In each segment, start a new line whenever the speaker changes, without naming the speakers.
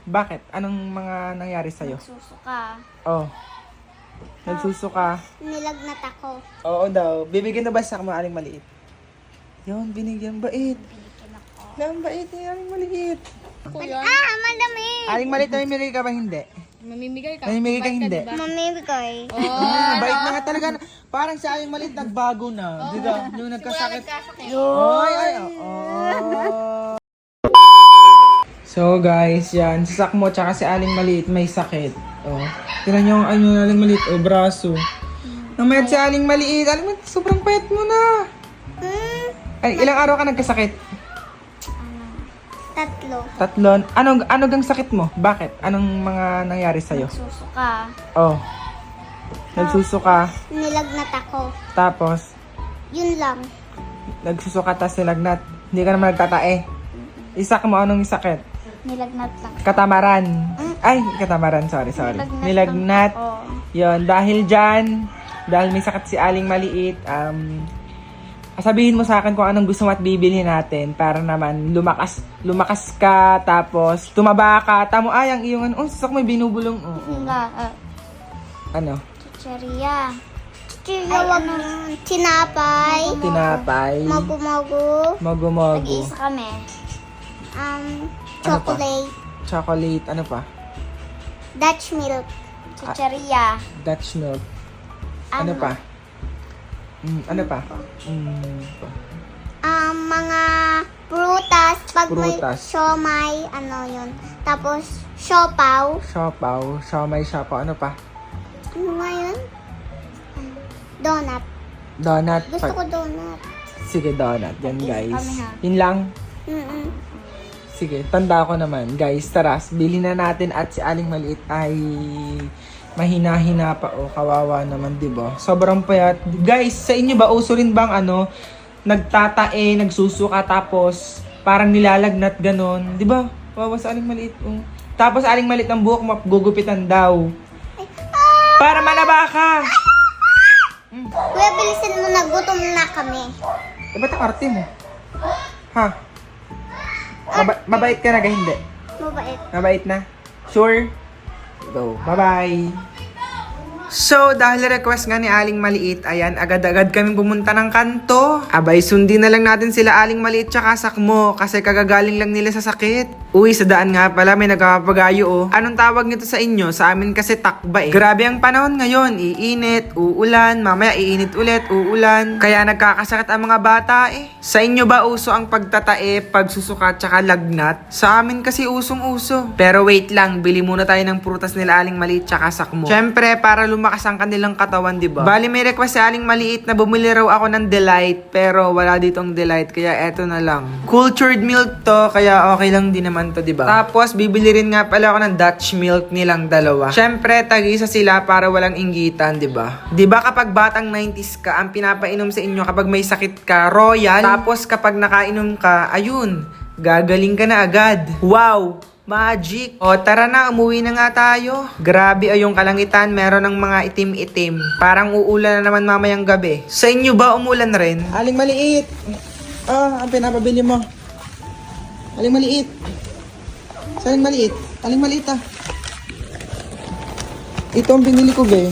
Bakit? Anong mga nangyari sa'yo?
Nagsusuka.
Oh. Nagsusuka.
Nilagnat ako.
Oo daw. Bibigyan na ba sa mo aling maliit? Yun, binigyan. Bait.
Binigyan ako.
Lang bait ni aling maliit.
Madami.
Aling maliit, namimigay ka ba hindi?
Mamimigay ka.
Namimigay ka hindi?
Mamimigay.
Bait na nga talaga. Parang si aling maliit nagbago na. Di ba? Yung nagkasakit. So guys, yan. Si Sakmo tsaka si aling maliit may sakit. Oh. Tignan nyo ang aling maliit. Oh, braso. Namayat si aling maliit. Aling maliit, sobrang payat mo na. Ay, ilang araw ka nagkasakit?
Tatlo.
Ano gang sakit mo? Bakit? Anong mga nangyari sa'yo?
Nagsusuka.
Oh. Nagsusuka.
Nilagnat ako.
Tapos,
Yun lang.
nagsusuka tas nilagnat. Hindi ka naman nagtatae. Isak mo, anong sakit?
Nilagnat lang.
Katamaran. Ay, katamaran. Sorry. Nilagnat.
Oo.
Yon, dahil dyan, dahil may sakit si aling maliit, sabihin mo sa akin kung anong gusto mo at bibilhin natin para naman lumakas ka, tapos tumaba ka. Tamo, ay, ang iyong ano, sasak mo binubulong. Ano?
Chicheria. Ay, tinapay.
Tinapay.
Mogu-mogu.
Mogu-mogu.
Nag-iisa kami.
Ano
Chocolate.
Chocolate. Ano pa?
Dutch milk. Chicheria.
Dutch milk. Ano pa? Ano pa?
Mga prutas. Pag
Prutas.
may siomay, ano yun. Tapos, siopaw.
Siopaw. Siomay, siopaw. Ano pa?
Ano nga yun? Donut.
Donut.
Gusto ko donut.
Sige, donut. Yan, guys.
Kami, ha?
Yun lang. Sige, tanda ko naman. Guys, tara, bilhin na natin at si aling maliit ay mahina-hina pa. O, kawawa naman, di ba? Sobrang payat. Guys, sa inyo ba, uso rin bang nagtatae, nagsusuka, tapos parang nilalagnat ganon? Di ba? Kawawa sa aling maliit. Oh. Tapos aling maliit ng buhok, magugupitan daw. Para manaba ka!
Kuya, bilisin mo na. Gutom na kami.
Ba't ang arte mo? Ha? Mabait ka na, hindi?
Mabait.
Mabait na? Sure? Go. Bye-bye! So, dahil request nga ni Aling Maliit, ayan, agad-agad kaming pumunta ng kanto. Abay, sundin na lang natin sila Aling Maliit tsaka Sakmo kasi kagagaling lang nila sa sakit. Uy, sa daan nga pala may nagpapagayo oh. Anong tawag nito sa inyo? Sa amin kasi takba eh. Grabe ang panahon ngayon, iinit, uulan, mamaya iinit ulit, uulan. Kaya nagkakasakit ang mga bata eh. Sa inyo ba uso ang pagtatae, pagsusuka tsaka lagnat? Sa amin kasi usong-uso. Pero wait lang, bili muna tayo ng prutas nila Aling Maliit tsaka Sakmo. Syempre, para lumakas ang kanilang katawan, di ba? Bali, may request si Aling Maliit na bumili raw ako ng Delight, pero wala ditong Delight, kaya eto na lang. Cultured milk to, kaya okay lang din naman to, di ba? Tapos, bibili rin nga pala ako ng Dutch milk nilang dalawa. Syempre, tag-isa sila para walang inggitan, di ba? Di ba kapag batang 90s ka, ang pinapainom sa inyo kapag may sakit ka, Royal. Tapos, kapag nakainom ka, ayun, gagaling ka na agad. Wow! Magic! O tara na, umuwi na nga tayo. Grabe ay yung kalangitan, meron ng mga itim-itim. Parang uulan na naman mamayang gabi. Sa inyo ba umulan rin? Aling Maliit! Ang pinapabili mo. Aling Maliit! Sa Aling Maliit? Aling Maliit Ito ang binili ko be.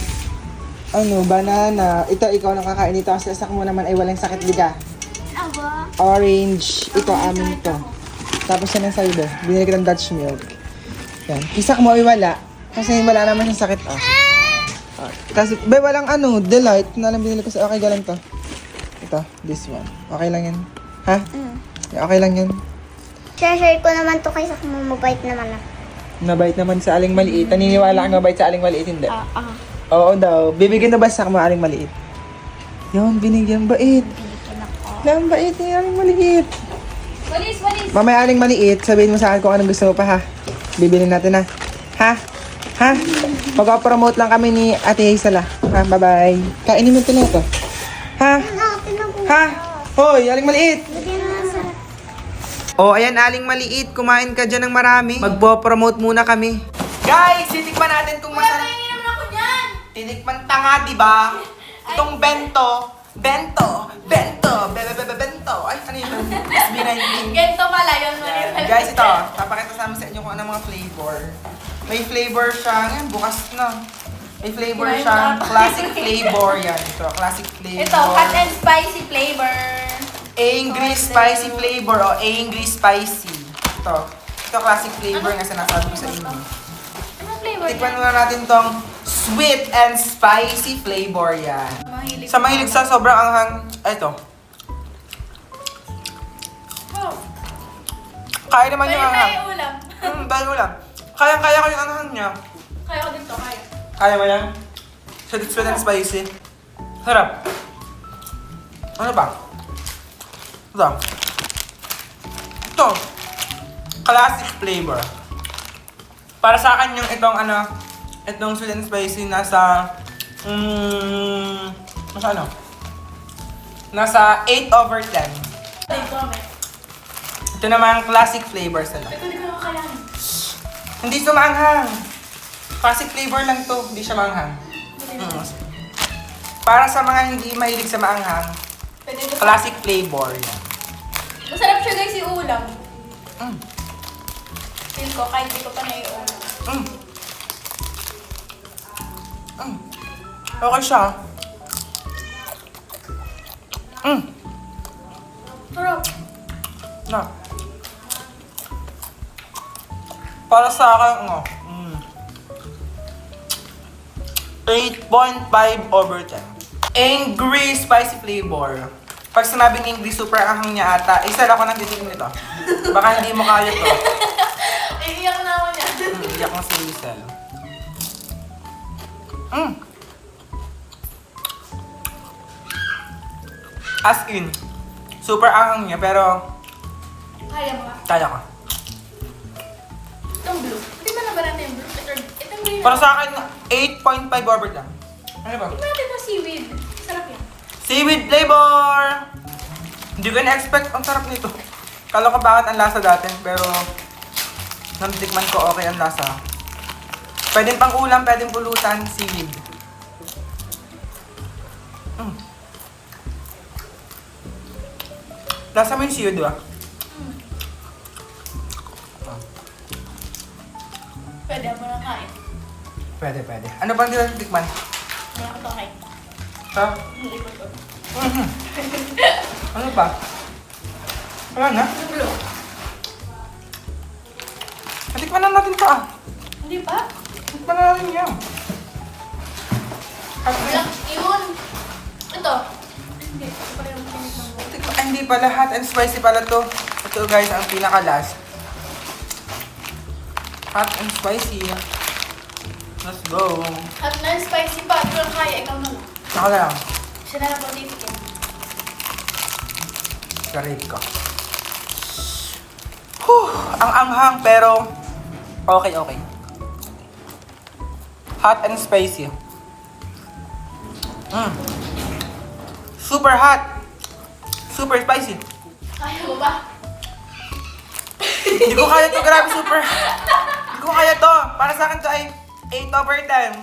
Banana. Ito, ikaw lang kakain ito kasi Sakmo naman ay walang sakit liga. Orange. Ito, amin to. Tapos yan ang sa'yo be. Binili ko ng Dutch milk. Yan. Isak mo ay wala. Kasi wala naman yung sakit Kasi, be, walang Delight. Na lang binili ko sa okay, galang to. Ito, this one. Okay lang yan. Ha? Okay lang yan.
Share ko naman to kay Sakmo. Mabait naman ako.
Mabait naman sa Aling Maliit. Naniniwala kang mabait sa Aling Maliit, hindi? Oo
Oo.
daw. Bibigyan na ba sa Aling Maliit? Yun, binigyan. Bait.
Binigyan ako.
Lang bait ni Aling Maliit.
Walis!
Mamaya Aling Maliit, sabihin mo sa akin kung anong gusto mo pa ha. Bibili natin ha. Ha? Mag-promote lang kami ni Ate Hazel ha. Bye-bye. Kainin mo ito na ito. Ha? Hoy, Aling Maliit. Ayan Aling Maliit, kumain ka dyan ng marami. Magpo-promote muna kami. Guys, titikman natin kung masarap.
Naman ako dyan!
Tinikman tanga, diba? Itong bento. Bento. Ito, ay, ano yun? SB19.
Ganito pala yun.
Yan. Guys, ito, papakita sa amin sa inyo kung ano mga flavor. May flavor siya, ngayon, bukas na. May flavor siya, classic flavor yan. Ito, classic flavor.
Ito, hot and spicy flavor.
Angry spicy flavor o angry spicy. Ito classic flavor nga sinasabi ko sa inyo.
Anong flavor?
Tikman muna natin tong sweet and spicy flavor yan.
Mahilig.
Sa mahilig sa sobrang anghang, ito.
Oh.
Kaya naman yung
Pwede
anghang.
tayo ulam.
Dahil ulam. Kaya ko yung anghang niya.
Kaya ko dito, kaya.
Kaya mo yan? Sweet and spicy. Sarap. Ano ba? Ito. Classic flavor. Para sa akin yung itong sweet and spicy nasa nasa 8/10.
Dito, may.
Ito naman classic flavors nila.
Ito, hindi ko kakayanin.
Hindi sumanghang. Classic flavor lang to, hindi siya manghang. Para sa mga hindi mahilig sa maanghang,
Pwede ko.
classic flavor yan.
Masarap siya guys yung ulam.
Mm.
Feel ko, kahit hindi ko pa naiulam.
Mm. Mm. Okay siya. Mm.
Sarap.
Na. Para sa akin, 8.5/10. Angry spicy flavor. Pag sinabing angry, super anghang niya ata. Isa ako nang titigil nito. Baka hindi mo kaya to.
Iiyak na ako niya.
Iyak mo si Hazel. As in, super anghang niya pero
Kaya mo ka.
kaya ko.
Itong blue. Hindi ba naman natin yung blue? Itong green.
Para sa akin, 8.5/10. Ano ba?
Tingnan natin yung seaweed. Sarap yan.
Seaweed flavor! Hindi ko na-expect ang sarap nito. Kala ko bakit ang lasa dati, pero nang tikman ko okay ang lasa. Pwedeng pang ulam, pwedeng pulutan, seaweed. Lasa mo yung seaweed, di ba?
Pwede mo na kain.
Pwede. Ano bang hindi tikman?
Hindi ako to kain.
Ha?
Hindi ko to.
Ano ba? Wala na?
Blue.
Tikman na natin to
Hindi pa?
Tikman na natin yan.
Wala. Yun. Ito. Hindi. Ito pa yung pinit ng buko.
Hindi pala, hot and spicy pala to. Ito guys, ang pinaka-last. Hot and spicy. Let's go.
At na-spicy pa. Ito lang kaya. Ikaw na lang.
Ako lang.
Siya na lang pag-titigyan.
Karate ko. Ang anghang pero okay. Hot and spicy. Super hot. Super spicy.
Kaya mo ba?
Hindi ko kaya to, grabe super. Hindi ko kaya to. Para sa akin to ay 8/10.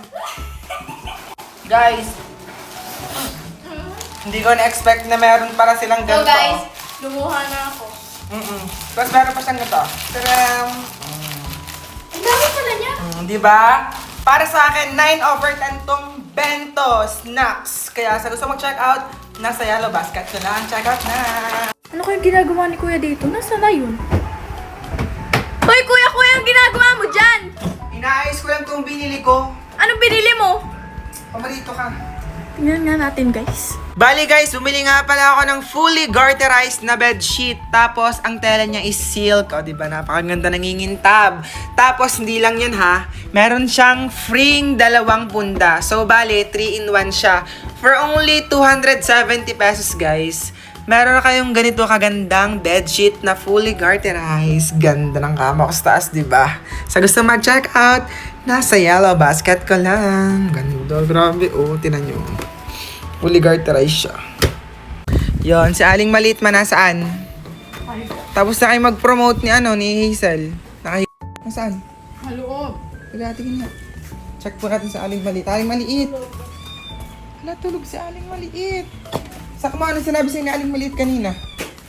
Guys, hindi ko na-expect na meron para silang
So
ganito.
guys, lumuha na ako.
Tapos meron pa siyang ganito. Taram!
Ang dami pala niya.
Di ba? Para sa akin, 9/10 tong bento snacks. Kaya sa gusto mag-check out, nasa yellow basket ko lang. Check out na!
Ano kayong ginagawa ni Kuya dito? Nasaan na yun? Hoy, Kuya! Ang ginagawa mo dyan?
Inaayos ko lang itong binili ko.
Anong binili mo?
Pamarito ka.
Tingnan nga natin, guys.
Bali guys, bumili nga pala ako ng fully garterized na bedsheet. Tapos, ang tela niya is silk. O, diba? Napakaganda nangingintab. Tapos, hindi lang yun ha. Meron siyang freeing 2 punda. So, bali, 3-in-1 siya. For only 270 pesos, guys. Meron na kayong ganito kagandang bedsheet na fully garterized. Ganda ng kama ko sa taas, diba? Sa gusto mag-check out, nasa yellow basket ko lang. Ganda, grabe. O, tinan nyo. Fully garterized siya. Yon, si Aling Maliit man nasaan? Tapos na kayo mag-promote ni Hazel. Nasaan?
Haloob.
Tingin nga. Check po natin sa Aling Maliit. Aling Maliit. Hala, tulog si Aling Maliit. Sakmo, ano sinabi sa'yo ni Aling Maliit kanina?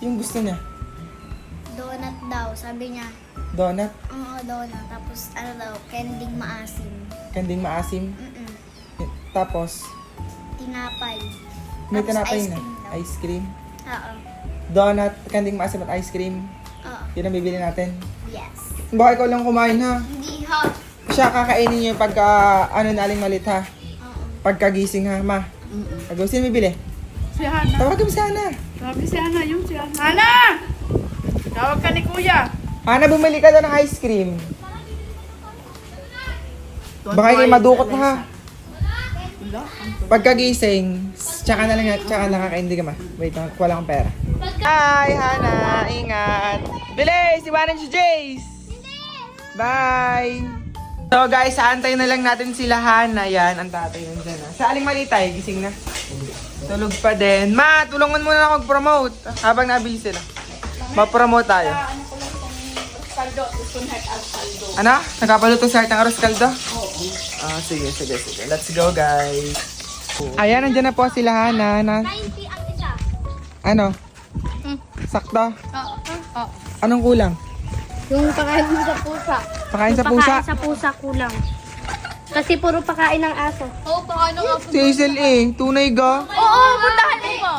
Yung gusto niya?
Donut daw, sabi niya.
Donut?
Oo, donut. Tapos ano daw, kending maasim.
Kanding maasim?
Mm-mm.
Tapos,
Tinapay.
may
Tapos
tinapay
ice
na.
cream daw.
Ice cream.
Oo.
Donut, kanding maasim at ice cream.
Oo.
Yun ang bibili natin.
Yes.
Baka ikaw lang kumain ha.
Hindi hot.
Siya kakainin niyo pagka, ano na Aling Malit ha.
Oo.
Pagkagising ha, ma. Pag sino bibili?
Si Hana.
Tawagin mo si Ana.
Sabi si Hana, yung si Hana. Hana! Tawag ka ni Kuya.
Ana, bumili ka daw ng ice cream. Baka kayo madukot na ha. Pagkagising, tsaka na lang kakainin ka ma. Wait, wala akong pera. Hi, Hana. Ingat. Bilis! Iwanan si Jace! Bye! So guys, aantay na lang natin sila Hana. Yan, ang tatay nandyan na. Sa Aling Malitay, gising na. Tulog pa din. Ma, tulungan mo na ako mag-promote. Habang nabili sila. Ma-promote tayo. Ano? Nagpapaluto sa ng arroz caldo? Oo. Ah, sige. Let's go, guys. Ayan, nandyan na po sila Hana.
90 ang isa.
Ano? Sakto?
Oo.
Anong kulang?
Yung pakain mo sa pusa.
Pakain sa pusa?
Pakain sa pusa kulang. Kasi puro pakain ng aso.
Oo, paano nga po?
Si Hazel tunay ga?
Oo, puntahan mo.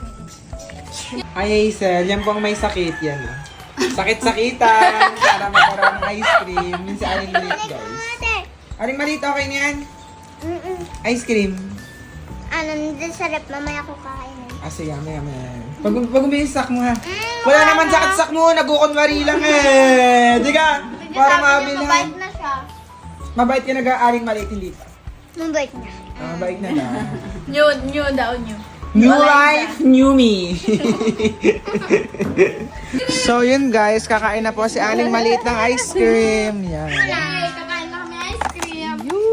Ay, Hazel, yan po ang may sakit yan. Sakit-sakitan para magkaroon ng ice cream. Yun si Aling Maliit, guys. Aling Maliit, okay na yan? Ice cream.
Ano, nandun sa rep, mamaya ko kainin.
Ah, sige, maya. Pag umiisak mo ha. Wala naman sakit-sak mo, nagkukunwari lang eh. Di ka? Para mabilhan.
Mabait na siya.
Mabait ka Aling Maliit, hindi.
Mabait na.
Ah, mabait na daw.
New daw, new.
New life, new me. So yun guys, kakain na po si Aling Maliit ng ice cream. Yan.
Kakain na kami ice cream.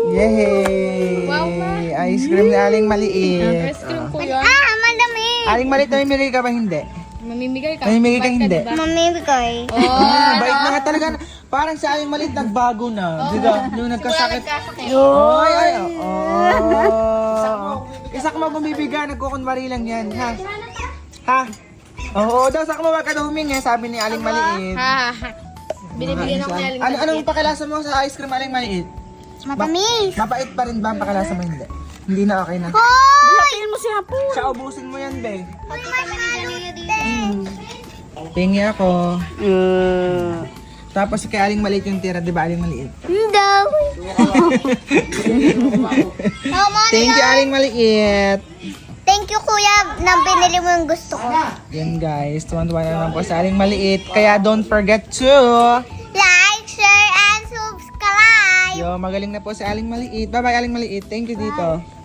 Yay! Ice cream ni Aling Maliit.
Ice cream ko yun.
Madami.
Aling Maliit, namimigay ka ba hindi?
Mamimigay ka.
Namimigay ka hindi?
Mamibigay.
Bait na nga talaga. Parang si Aling Maliit nagbago na. Di ba? Yung nagkasakit. Ay, Isak mo bumibigay, nagkukunwari lang yan. Ha? Oo, daw sakmo wag ka daw humingi, sabi ni Aling Maliit.
Binibigyan ako ni Aling
Anong pakilasa mo sa ice cream Aling Maliit?
Matamis.
Mapait pa rin ba ang pakilasa mo hindi? Hindi na okay na.
Hoy!
mo si Hapo.
Siya, ubusin mo yan, be.
Masyado.
Tingi ako. Tapos kay Aling Maliit yung tira, di ba Aling Maliit?
Daw.
Thank you Aling Maliit.
Thank you, kuya, na binili mo yung gusto ko.
Yan guys, tuwan-tuwan na naman po sa Aling Maliit. Kaya don't forget to...
Like, share, and subscribe.
Yo, magaling na po si Aling Maliit. Bye-bye Aling Maliit. Thank you dito.